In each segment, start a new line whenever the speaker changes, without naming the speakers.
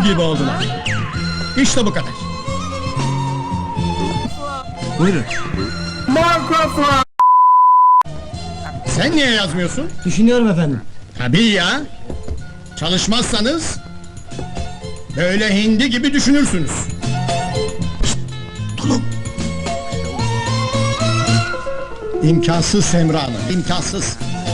gibi oldular. İşte bu kadar.
Buyurun.
Sen niye yazmıyorsun?
Düşünüyorum efendim.
Tabii ya. Çalışmazsanız böyle hindi gibi düşünürsünüz.
Tulum.
İmkansız Semra Hanım, imkansız.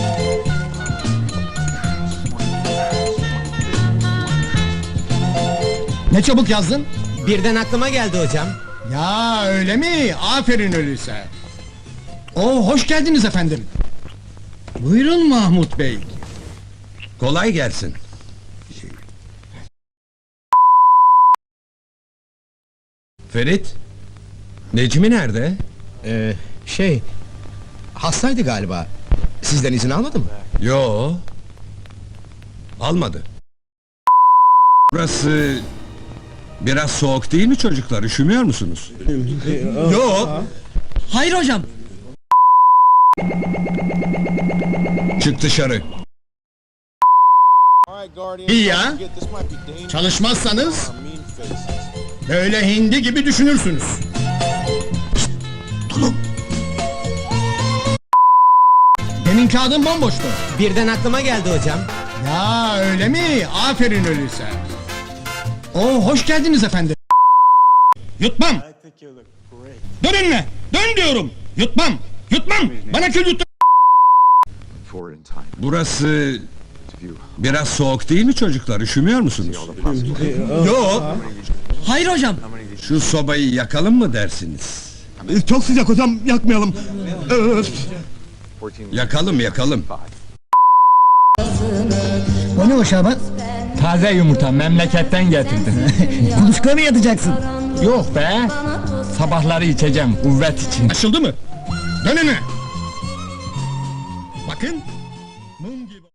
Ne çabuk yazdın?
Birden aklıma geldi hocam.
Ya öyle mi? Aferin öyleyse. Hoş geldiniz efendim. Buyurun Mahmut Bey.
Kolay gelsin. Ferit, Necmi nerede?
Hastaydı galiba. Sizden izin almadı mı?
Yo. Almadı. Burası biraz soğuk değil mi çocuklar? Üşümüyor musunuz?
Yo.
Hayır hocam.
Çık dışarı.
İyi ya. Çalışmazsanız böyle hindi gibi düşünürsünüz.
Tulum.
Demin kağıdın bomboştu.
Birden aklıma geldi hocam.
Ya öyle mi? Aferin öyleyse. Hoş geldiniz efendim. Yutmam. Dön önüne. Dön diyorum. Yutmam. Yutmam. Bana kül yut.
Burası biraz soğuk değil mi çocuklar? Üşümüyor musunuz?
Yo.
Hayır hocam.
Şu sobayı yakalım mı dersiniz?
Çok sıcak hocam. Yakmayalım.
Yakalım, yakalım.
O ne o Şaban?
Taze yumurta memleketten getirdim.
Kuluçka mı yatacaksın?
Yok be! Sabahları içeceğim kuvvet için.
Açıldı mı? Dön önüne. Bakın.